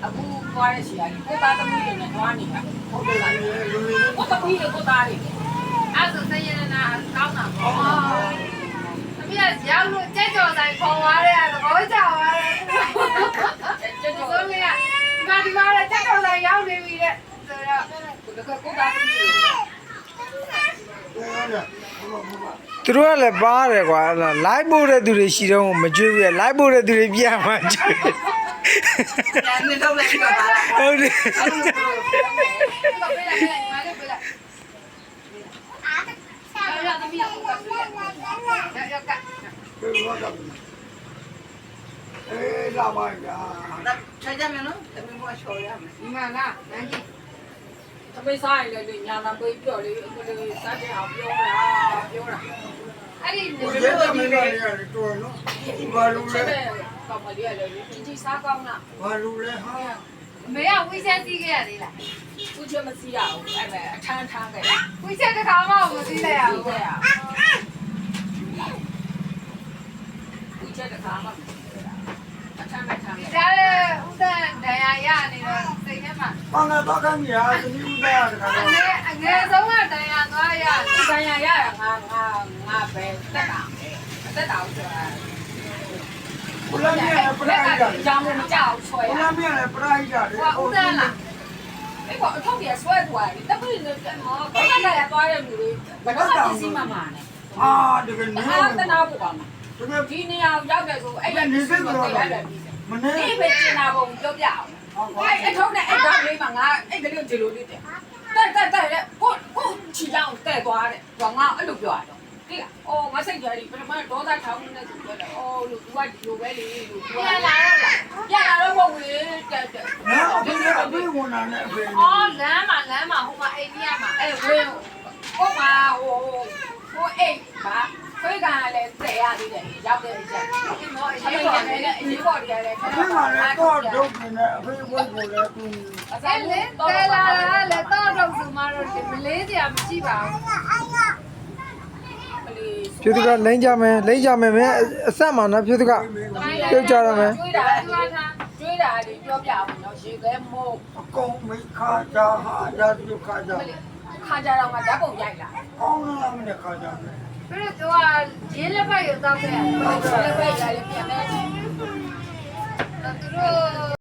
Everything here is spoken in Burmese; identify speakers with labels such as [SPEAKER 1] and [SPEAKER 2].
[SPEAKER 1] အခုသွားတဲ့ဆီကကိုသားသမီးတွေနဲ့သွားနေတာဟုတ်တယ်လားကိုသမီးတွေကိုသားတွေအဲ့ဆိုစရနာကောင်းတာပေါ့သမီးကရောက်လို့ကြက်ကြော်တိုင်းခေါ်သွားတဲ့သဘောကျသွားတယ်ကြက်ကြော်ဆိုလေဒီမှာကြက်ကြော်တိုင်းရောက်နေပြီတဲ့ဆိုတော့ကိုသားသမီးတွေ
[SPEAKER 2] သူတို့ကလည်းပါတယ်ကွာလိုက်ပို့တဲ့သူတွေရှိတော့မကြွေးဘူးလိုက်ပို့တဲ့သူတွေပြန်မှကြွေး
[SPEAKER 1] နေတော့လည်းပြောတာ
[SPEAKER 2] ဟုတ်တယ်
[SPEAKER 3] လာပါဗျာ
[SPEAKER 1] ဆက်ကြမယ်နော်တမီးမချော်ရမယ်ဒီမှာလားနန်းကြီးသမီးစားရလေညာနာပေးပြောလေစားကြအောင်ပြောတာအဲ့ဒီနေ
[SPEAKER 3] ရာမင်းတို့ရတယ်တော်နော်ဘာလို့လဲ
[SPEAKER 1] ကောင်းမလေးရလေကြီးစားကောင်းလား
[SPEAKER 3] ဘာလို့လဲဟာ
[SPEAKER 1] အမေကဝိဆက်စီးခဲ့ရသေးလားသူချမစီးရဘူးအဲ့မဲ့အထမ်းထမ်းခဲ့ဝိဆက်တစ်ခါမှမစီးလိုက်ရဘူးခဲ့ရဝိဆက်တစ်ခါမှမစီးခဲ့ရအထမ်းမဲ့ထမ်းခဲ့ဒါလည်းဥဒ္ဒဒဏ်ရာရနေတော့စိတ်ထဲမှာ
[SPEAKER 3] ဘာငါတော့ခံရသမီးဥဒ္ဒရတခါတော့
[SPEAKER 1] အငယ်ဆုံးကဒဏ်ရာသွားရဒဏ်ရာရငါပဲတက်တာအသက်တာဆိုတော့
[SPEAKER 3] ဘုရားမြတ်ပရိုက်တာ
[SPEAKER 1] ကြောင်မကြောက်ဆွဲ
[SPEAKER 3] ဘုရားမြတ်ပရိုက်တာလေ
[SPEAKER 1] ဟုတ်တယ်လားအဲ့ကအထုပ်ကြီးဆွဲသွားတယ်တပိနဲ့မောဘာသာရသွားတဲ့လူတွေဘယ်တော့မှသိမှမှာနဲ့
[SPEAKER 3] အာတကယ်နေ
[SPEAKER 1] တနာဖို့ပါမှာတကယ်ဒီနေရာရောက်တယ်ဆိုအဲ့ရနေစိတ်တော့ရတယ်
[SPEAKER 3] မနေ့
[SPEAKER 1] ဒီပဲကျင်နာပုံပြောပြအောင်အဲ့အထုပ်နဲ့အဲ့တော့လေးမှာငါအဲ့ကလေးကိုဒီလိုလေးတဲ့တဲ့ကိုချီအောင်တဲ့သွားတယ်ဘာငါအဲ့လိုပြောရတယ်ဒီကအော်ငါစိတ်ကြရီပထမဒေါသထောင်းနေဆိုပြောတယ်အော်လို့သူကဒီလိုပဲလေလို့ပြန်လာတော့မဟုတ်ဘူးတက်
[SPEAKER 3] နော်ဒီကအပြေဝင်လာတဲ့အဖေ
[SPEAKER 1] အော်လမ်းမှာဟိုမှာအိန္ဒိယမှာအဲ့ဝင်းဟိုမှာဟိုအိတ်ပါခွေးကလည်းတဲ့ရသေးတယ်ရောက်တယ်ချက်ဒီမောအရေးပေါ်လည်းအရေးပေါ်တွေလည်းခဏ
[SPEAKER 3] ခဏလည်းတော့ဒုက္ခနဲ့အဖေဝိုးကိုလည်းသူ
[SPEAKER 1] အဲ့လေတဲလာလည်းတော့တော့ဆိုမှတော့မလေးစရာမရှိပါဘူး
[SPEAKER 2] ဖြူတကလိမ့်ကြမယ်မင်းအဆက်မှာနော်ဖြူတကပြုတ်ကြရမယ်
[SPEAKER 1] ကျွေးတာတွေပြောပြအောင်နော်ရေခဲမို့
[SPEAKER 3] အကုန်မိခါကြဟာရတုခါကြ
[SPEAKER 1] ခါကြတော့မှဓာတ်ပုံရိုက်လာ
[SPEAKER 3] ကောင်းလားမနဲ့ခါကြမယ်
[SPEAKER 1] ပြီးတော့သူကရင်းလက်ဖက်ရုပ်တောက်ခဲ့ရတယ်လက်ဖက်ရိုက်လည်းပြန်နေတယ်သူတို့